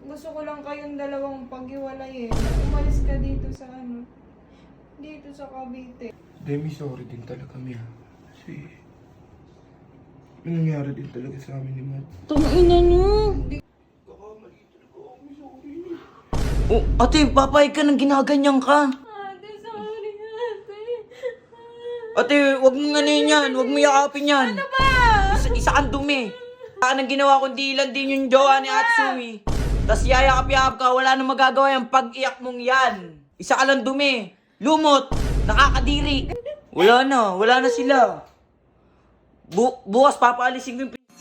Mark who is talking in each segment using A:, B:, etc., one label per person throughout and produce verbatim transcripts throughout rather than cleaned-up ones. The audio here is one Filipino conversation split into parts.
A: gusto ko lang kayong dalawang paghiwalay eh. Umalis ka dito sa ano, dito sa Cavite.
B: Demi, sorry din talaga kami ha. Kasi, may nangyari din talaga sa amin ni Matt.
C: Tungina nyo.
B: Kakamali talaga kami, sorry.
C: Oh, ate, papayag ka nang ginaganyan ka.
A: Ate, sorry ate.
C: Ate, wag mong ano yan, wag mo yakapin yan.
A: Ano ba?
C: Isa, isa kang dumi. Saan ang ginawa kundi ilan din yung jowa ni Ate Sumi. Tas yayakap-yakap ka, wala nang magagawa yung pag-iyak mong yan. Isa ka lang dumi. Lumot. Nakakadiri. Wala na, wala na sila. Bu bukas papaalisin ko yung p-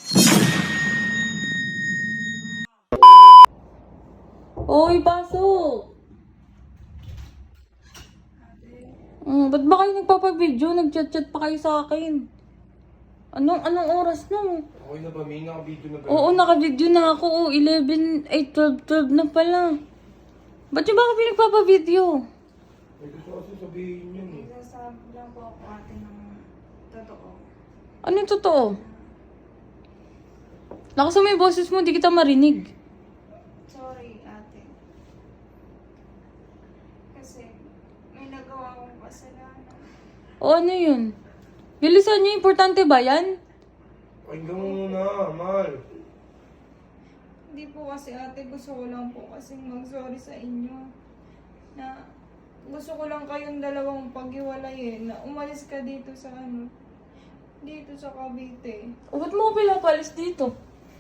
C: Oy, pasok. Oh, ba't ba kayo nagpapabideo? Nag-chat-chat pa kayo sa akin. Anong, anong oras na?
B: Okay na ba, may nakabidyo na ba?
C: Oo, naka-video na ako. Oh, eleven, eight, twelve, twelve na pala. Ba't yung ba ako pinagpapabideo?
B: May gusto kasi sabihin yun eh.
A: Nasasabi lang po ako ate ng totoo.
C: Ano yung totoo? Lakas mo yung boses mo, di kita marinig.
A: Sorry ate. Kasi may nagawa akong kasalanan.
C: O ano yun? Bilisan niyo, importante ba yan?
B: Pakinggan mo muna, mahal.
A: Hindi po kasi ate, gusto ko lang po kasing mag-sorry sa inyo. Na gusto ko lang kayong dalawang paghiwalay eh. Na umalis ka dito sa ano, dito sa Cavite.
C: O ba't mo ko pinapalis dito?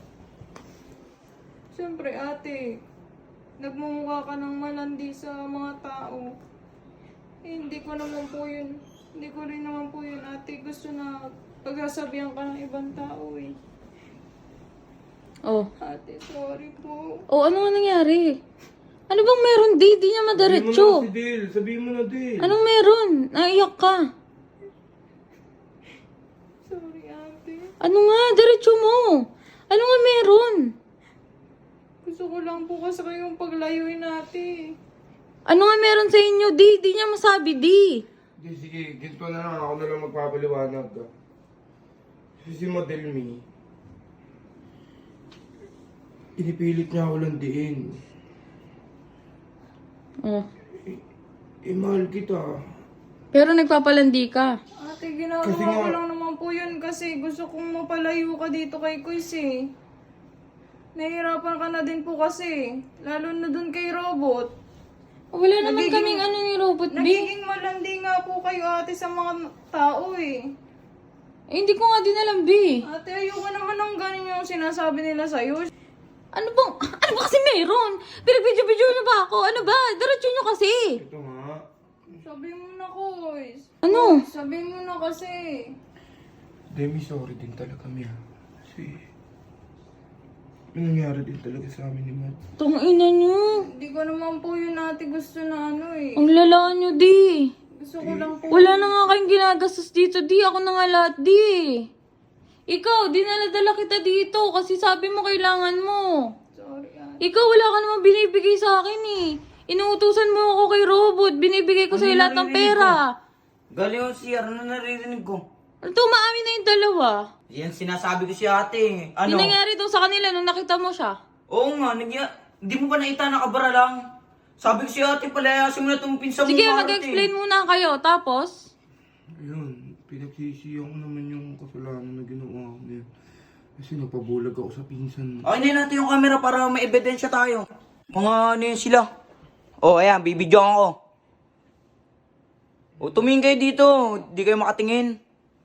A: Siyempre ate, nagmumukha ka ng malandi sa mga tao. Eh, hindi ko naman po yun. Hindi ko rin naman po yun ate. Gusto na pagsasabihan ka ng ibang tao eh.
C: Oh.
A: Ate, sorry po.
C: O ano nga nangyari? Ano bang meron, di? Di niya
B: Sabihin mo na
C: madiretso.
B: si Dil, sabihin mo na Dil.
C: Anong meron? Naiyak ka.
A: Sorry ate.
C: Ano nga? Diretso mo. Ano nga meron?
A: Gusto ko lang po kasi kayong paglayuin ate.
C: Ano nga meron sa inyo? Di, di niya masabi, di.
B: Sige, sige, ginto na lang, ako na lang magpapaliwanag. ah. Kasi si Model Me, inipilit niya ako landiin.
C: Oh.
B: Eh, mahal kita.
C: Pero nagpapalandi ka.
A: Ate, ginagawa
B: Kasi
A: ko
B: nga-
A: lang naman po yun kasi gusto kong mapalayo ka dito kay Kuis eh. Nahihirapan ka na din po kasi. Lalo na dun kay Robot.
C: Wala naman
A: Nagiging-
C: kaming ano ni Robot B.
A: Nagiging malandi nga po kayo ate sa mga tao eh.
C: Eh, hindi ko nga din alam, B.
A: Ate, ayoko naman ng ganun yung sinasabi nila sa'yo.
C: Ano bang, ano ba kasi meron? Pinagbidyo-bidyo niyo ba ako? Ano ba? Diretso niyo kasi.
B: Ito nga.
A: Sabi mo na, Kuis.
C: Ano?
A: Sabi mo na kasi.
B: Demi, sorry din talaga kami ha. Kasi, may nangyari din talaga sa amin ni Matt.
C: Tungina niyo.
A: Hindi ko naman po yun ate gusto na ano eh.
C: Ang lala niyo, di.
A: Gusto ko lang po.
C: Wala na nga kayong ginagastos dito, di. Ako na nga lahat, di. Ikaw, dinala-dala kita dito kasi sabi mo kailangan mo.
A: Sorry ate.
C: Ikaw, wala ka namang binibigay sa akin eh. Inuutusan mo ako kay Robot. Binibigay ko
D: Ano
C: sa'yo lahat ng
D: naririnig
C: pera.
D: Galing yung C R, ano naririnig ko?
C: Ito, maamin na yung dalawa.
D: Yan sinasabi ko si ate. Ano?
C: Ano? nangyari daw sa kanila nung nakita mo siya?
D: Oo nga, nagya... Di mo ba nakita nakabara lang? Sabi ko si ate, palayasin mo na itong pinsan mo.
C: Sige,
D: Marte.
C: mag-explain muna kayo. Tapos?
B: Ayun, pinagsisiyan ko naman yung kasalanan na ginawa ko niya. Kasi napabulag ako sa pinsan.
D: Okay na natin yung camera para may ebidensya tayo. Mga ano yun sila. Oh, ayan, bibidyoan ko. O, tumingin kayo dito. Di kayo makatingin.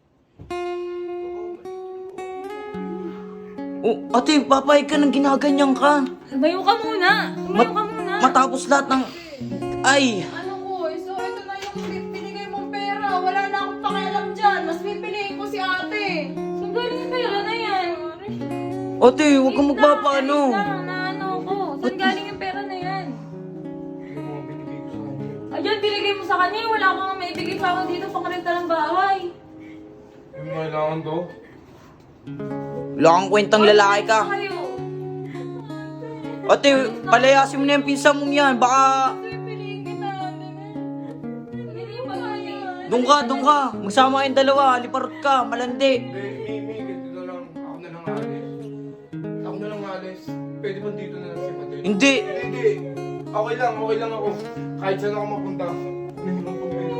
D: Oh, ate, papayag ka nang ginaganyan ka.
C: Lumayo ka muna. Lumayo ka muna.
D: Matapos lahat ng... Ay!
A: Ano Kuis? So ito na yung pinigay mong pera. Wala na akong pakialam dyan. Mas pipiliin ko si ate.
C: Saan galing yung pera na yan?
D: Ate, huwag kang magpapaano.
C: Wait lang, na ano ko. Saan galing yung pera na yan?
B: Yung mga binigay ko sa kanya.
C: Ayun, binigay mo sa kanya. Wala kang maibigay sa akin dito pang renta ng bahay.
B: Yung kailangan to?
D: Wala kang kwentang lalaki ka.
C: Kayo.
D: Ate, palayasin mo na yung pinsan mong yan. Baka...
A: Pipiliin kita ate.
C: Hindi yung pagkain.
D: Doon ka, doon ka. Magsama kayong dalawa. Liparot ka. Malandi.
B: Hindi, Mimi, ganito na lang. Ako na lang alis. Ako na lang alis. pwede ba dito na lang si Matilda?
C: Hindi.
B: Hindi, hindi. Okay lang, okay lang ako. Kahit saan ako mapunta. Hindi mo problema.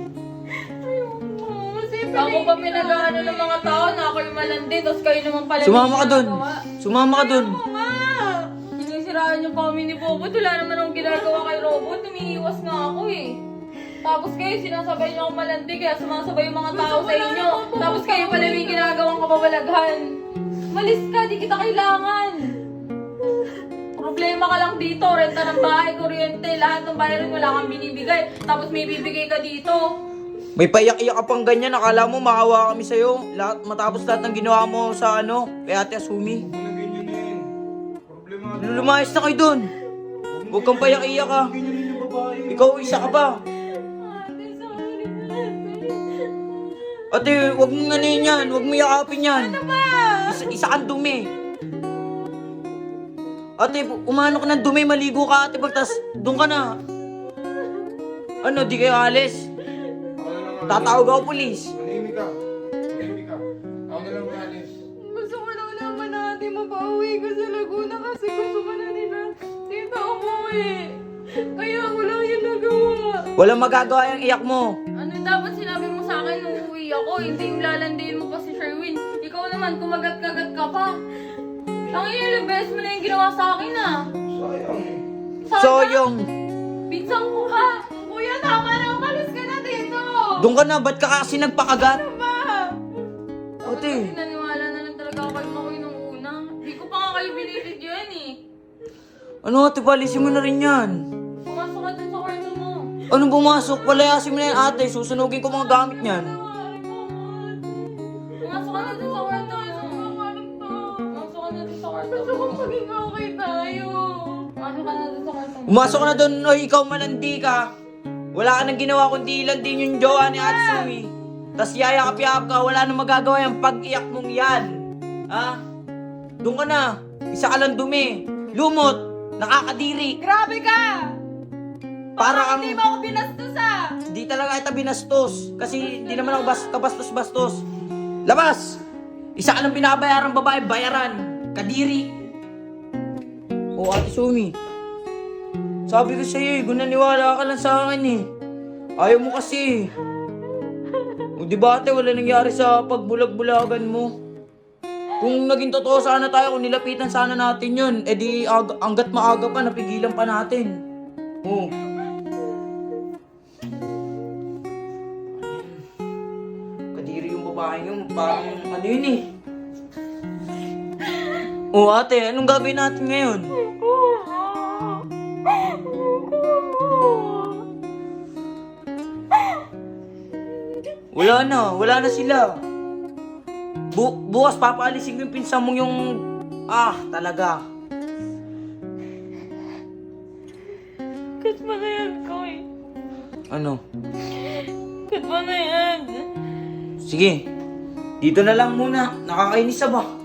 E: Ako pa pinag-ano ng mga tao na ako yung malandi, tapos kayo naman pala
C: Sumama ka dun.
E: ginagawa.
C: Sumama ka dun.
E: Oo nga! Sinisiraan niyo pa kami ni Bobot. Wala naman akong ginagawa kay Robot. Umiiwas nga ako eh. Tapos kayo, sinasabay niyo akong malandi, kaya sumasabay yung mga tao sa inyo. Tapos kayo pala may ginagawang kababalaghan. Malis ka, di kita kailangan. Problema ka lang dito, renta ng bahay, kuryente, lahat ng bayarin wala kang binibigay. Tapos may bibigay ka dito.
C: May payak-iyak ka pang ganyan. Akala mo makawa kami sa'yo. Lahat, matapos lahat ng ginawa mo sa ano, kay Ate Asumi.
B: Huwag mo na ganyan yan. Problema.
C: Lumayas na kayo dun. Huwag kang payak-iyak ka.
B: Ganyan yung babae.
C: Ikaw, isa ka ba?
E: Ate, sorry na.
C: Ate, huwag mong ano yan. Huwag mo yakapin yan. Ano ba? Isa, isa kang dumi. Ate, umano ka ng dumi. Maligo ka, ate. Pagtas, doon ka na. Ano, di kayo alis?
B: Ako na lang.
C: Tatawag ako pulis.
B: Manahimik ka. Manahimik ka. Ako na lang maalis.
A: Gusto ko lang naman natin mapauwi ko sa Laguna kasi gusto ko na nila dito umuwi. Kaya ako lang yung nagawa.
C: Walang magagawa yung iyak mo.
E: Ano dapat sinabi mo sa akin nung uwi ako? Hindi yung lalandiin mo pa si Sherwin. Ikaw naman, kumagat-kagat ka pa. Ang ilang beses mo na yung ginawa sa akin ah.
B: Sayang eh.
E: Sana,
C: So, yung...
E: Pinsang ko ka.
A: Kuya, tama na. Umalis ka na dito.
C: Doon ka na, ba't ka kasi nagpakagat?
A: Ma!
C: Ate,
E: Kasi naniwala na lang talaga ako kay Makoy nung una. Hindi ko pa nga kayo binibigyan eh.
C: ano ate, palisin mo na rin yan.
E: Pumasok ka dun sa kwarto mo.
C: Anong pumasok? Palayasin mo na yan ate, susunugin ko mga gamit niyan.
E: Pumasok ka na dun sa kwarto mo. Pumasok ka na dun sa kwarto
A: Gusto
E: mo.
A: kong maging okay tayo.
E: Pumasok ka na dun sa kwarto mo.
C: Umasok ka na doon, oy, ikaw malandi ka. Wala ka nang ginawa kundi ilandin yung jowa ni Atsumi. Tas yayakap-yakap ka, wala nang magagawa yung pag-iyak mong yan. Ha? Doon ka na. Isa ka lang dumi. Lumot. Nakakadiri.
A: Grabe ka!
C: Para kang...
A: Hindi mo ako binastos ah!
C: Di talaga kita binastos. Kasi di naman ako bas kabastos-bastos. Labas! Isa ka lang binabayaran babae, bayaran. Kadiri. O Ate Sumi. Sabi ko sa'yo eh, gunaniwala ka lang sa akin eh. Ayaw mo kasi. O di ba ate, wala nangyari sa pagbulag-bulagan mo. Kung naging totoo sana tayo, kung nilapitan sana natin yun, eh di ag- hanggat maaga pa, napigilan pa natin. Oh. Kadiri yung babae yun, parang ano yun eh. Oh ate, anong gagawin natin ngayon? Wala na, wala na sila. Bu bukas papaalisin ko yung pinsan mong yung... Ah, talaga.
E: Kat mo na yan, Koy.
C: Ano?
E: Kat mo na yan.
C: Sige, dito na lang muna. Nakakainis na ba?